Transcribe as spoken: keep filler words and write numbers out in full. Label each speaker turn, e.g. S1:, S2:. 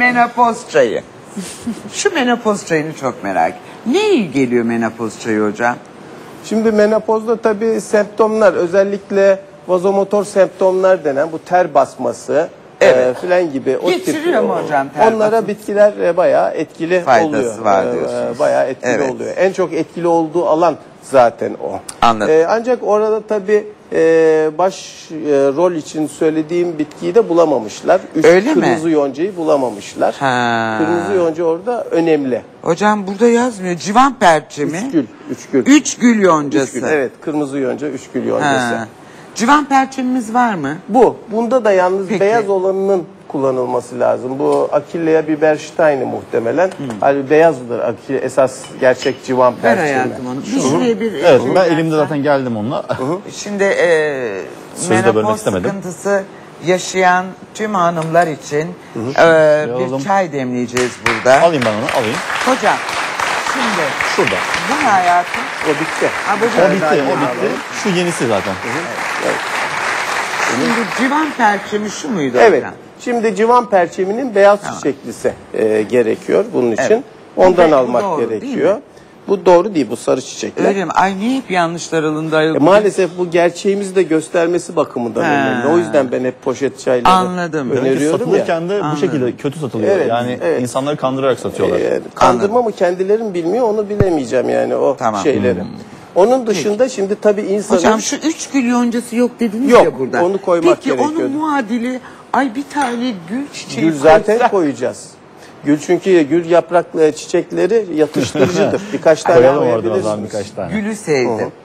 S1: menopoz çayı. Şu menopoz çayını çok merak ediyorum. Ne iyi geliyor menopoz çayı hocam?
S2: Şimdi menopozda tabii semptomlar, özellikle vazomotor semptomlar denen bu ter basması
S1: Evet.
S2: e, filan gibi. O
S1: Getiriyor
S2: tip,
S1: mu hocam ter
S2: onlara
S1: basması?
S2: bitkiler e, bayağı etkili
S1: Faydası
S2: oluyor.
S1: var
S2: E,
S1: diyorsunuz.
S2: bayağı etkili
S1: Evet.
S2: oluyor. En çok etkili olduğu alan zaten o.
S1: Anladım.
S2: E, ancak orada tabii e, baş e, rol için söylediğim bitkiyi de bulamamışlar. Üç
S1: Öyle mi?
S2: kırmızı yoncayı bulamamışlar.
S1: Ha.
S2: Kırmızı yonca orada önemli.
S1: Hocam burada yazmıyor. Civan perçemi.
S2: Üç gül. Üç gül.
S1: Üç gül yoncası.
S2: Üç gül, evet, kırmızı yonca, üç gül yoncası.
S1: Ha. Civan perçemimiz var mı?
S2: Bu. Bunda da yalnız
S1: Peki.
S2: beyaz olanının kullanılması lazım. Bu Achillea biberstein'i muhtemelen.
S1: Hmm.
S2: Hani beyazdır Achille, esas gerçek civan
S1: Ver
S2: perçemi.
S1: hayatım onu. Bir şuraya bir
S3: Evet,
S1: şey
S3: ben
S1: versen.
S3: elimde zaten geldim onunla.
S1: Şimdi e,
S3: Sözü de bölmek
S1: menopoz
S3: istemedim.
S1: sıkıntısı yaşayan tüm hanımlar için e,
S3: Alalım.
S1: bir çay demleyeceğiz burada.
S3: Alayım ben onu, alayım.
S1: Hocam şimdi
S3: Şurada.
S1: bu ne hayatım?
S2: O bitti.
S1: Ha, bu
S3: O
S1: da-
S3: bitti, o bitti. Şu yenisi zaten.
S1: Şimdi civan perçemi şu muydu
S2: Evet.
S1: hocam?
S2: Şimdi civan perçeminin beyaz çiçeklisi e, gerekiyor bunun için.
S1: Evet.
S2: Ondan
S1: Bu
S2: almak
S1: doğru, değil
S2: gerekiyor.
S1: mi?
S2: Bu doğru değil, bu sarı çiçekler.
S1: Öyle mi? Ay niye hep yanlışlar alındı?
S2: E, maalesef bu gerçeğimizi de göstermesi bakımından
S1: Ha.
S2: önemli. O yüzden ben hep poşet çayları
S1: Anladım.
S3: Demek ki
S2: öneriyorum ya.
S3: satılırken de bu şekilde kötü satılıyor.
S2: Evet,
S3: yani
S2: evet.
S3: insanları kandırarak satıyorlar.
S2: Ee, kandırma mı kendileri mi bilmiyor, onu bilemeyeceğim yani o
S1: Tamam.
S2: şeyleri. Onun dışında şimdi tabii insanın...
S1: Hocam şu üç gül yoncası yok dediniz
S2: Yok,
S1: ya burada.
S2: onu koymak
S1: Peki
S2: gerekiyordu.
S1: onun muadili ay bir tane gül çiçeği
S2: Gül zaten
S1: koysak-
S2: koyacağız. Gül çünkü gül yapraklı çiçekleri yatıştırıcıdır. Birkaç tane
S3: Koyalım oradan o
S2: koyabilirsiniz.
S3: zaman birkaç tane.
S1: Gülü sevdim.